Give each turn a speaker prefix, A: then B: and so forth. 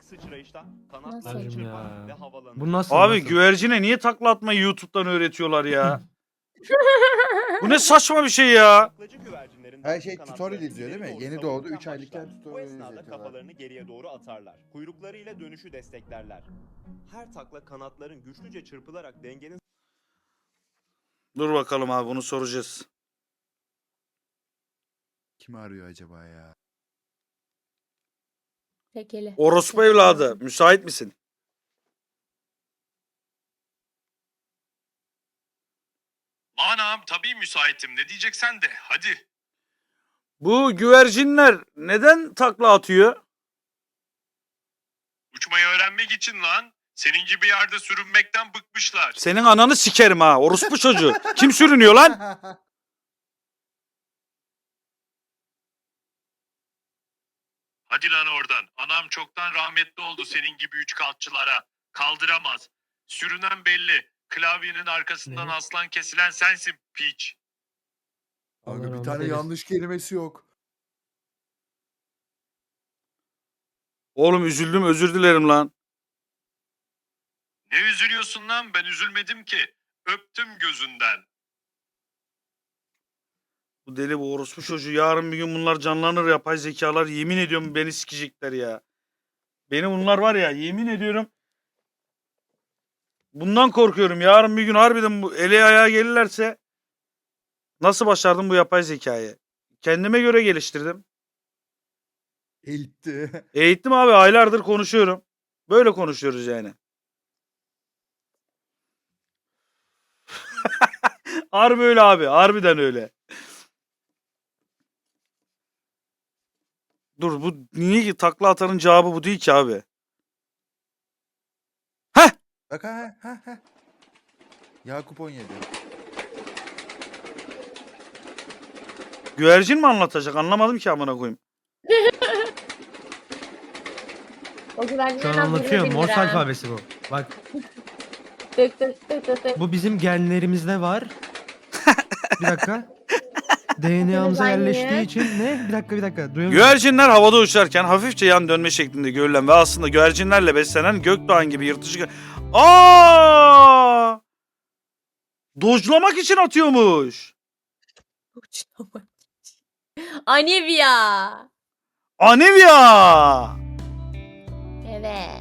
A: sıçrayışta
B: Nasıl?
A: kanatlarını çırpan
C: Ya.
A: ve havalanır.
C: Bu nasıl?
D: Abi
C: nasıl?
D: güvercine niye takla atmayı YouTube'dan öğretiyorlar ya? Bu ne saçma bir şey ya?
A: Taklacı güvercinlerin
E: Her
A: dandik
E: şey
A: kanatlarını
E: tutorial izliyor değil mi?
A: ileri doğru
E: Yeni
A: savururken
E: doğdu, 3 aylıkken
A: başlar. Bu
E: tutorial
A: esnada
E: izletiyorlar.
A: kafalarını geriye doğru atarlar. Kuyruklarıyla dönüşü desteklerler. Her takla kanatların güçlüce çırpılarak dengenin
D: Dur bakalım abi, bunu soracağız.
E: Kimi arıyor acaba ya?
B: Tekeli.
D: Orospu evladı, müsait misin?
F: Anam tabii müsaitim. Ne diyeceksen de hadi.
D: Bu güvercinler neden takla atıyor?
F: Uçmayı öğrenmek için lan. Senin gibi yerde sürünmekten bıkmışlar.
D: Senin ananı sikerim ha, orospu çocuğu. Kim sürünüyor lan?
F: Hadi lan oradan. Anam çoktan rahmetli oldu senin gibi üç kalçılara. Kaldıramaz. Sürünen belli. Klavyenin arkasından
C: Ne?
F: aslan kesilen sensin piç.
C: Allah
E: Abi bir
C: rahmet
E: tane
C: eylesin.
E: yanlış kelimesi yok.
D: Oğlum üzüldüm, özür dilerim lan.
F: Ne üzülüyorsun lan? Ben üzülmedim ki. Öptüm gözünden.
D: Bu deli, bu orospu çocuğu. Yarın bir gün bunlar canlanır, yapay zekalar. Yemin ediyorum beni sikecekler ya. Beni bunlar var ya, yemin ediyorum. Bundan korkuyorum. Yarın bir gün harbiden bu ele ayağa gelirlerse nasıl başardım bu yapay zekayı? Kendime göre geliştirdim.
E: Eğitti.
D: Eğittim abi, aylardır konuşuyorum. Böyle konuşuyoruz yani. Harbi öyle abi. Harbiden öyle. Dur, bu niye ki takla atanın cevabı bu değil ki abi.
E: Bak ha. Yakup 17.
D: Güvercin mi anlatacak? Anlamadım ki amına koyayım.
B: O güvercinlerin
C: Şu an
B: adını
C: anlatıyor.
B: bilir
C: Morse
B: ha.
C: alfabesi bu. Bak
B: Tık tık tık tık tık.
C: bu bizim genlerimizde var. Bir dakika. DNA'mıza
B: aynı.
C: yerleştiği için ne? Bir dakika. Duyamıyorum.
D: Güvercinler havada uçarken hafifçe yan dönme şeklinde görülen ve aslında güvercinlerle beslenen gökdoğan gibi yırtıcı... Aa! Dojlamak için atıyormuş.
B: Anivia.
D: Anivia!
B: Evet.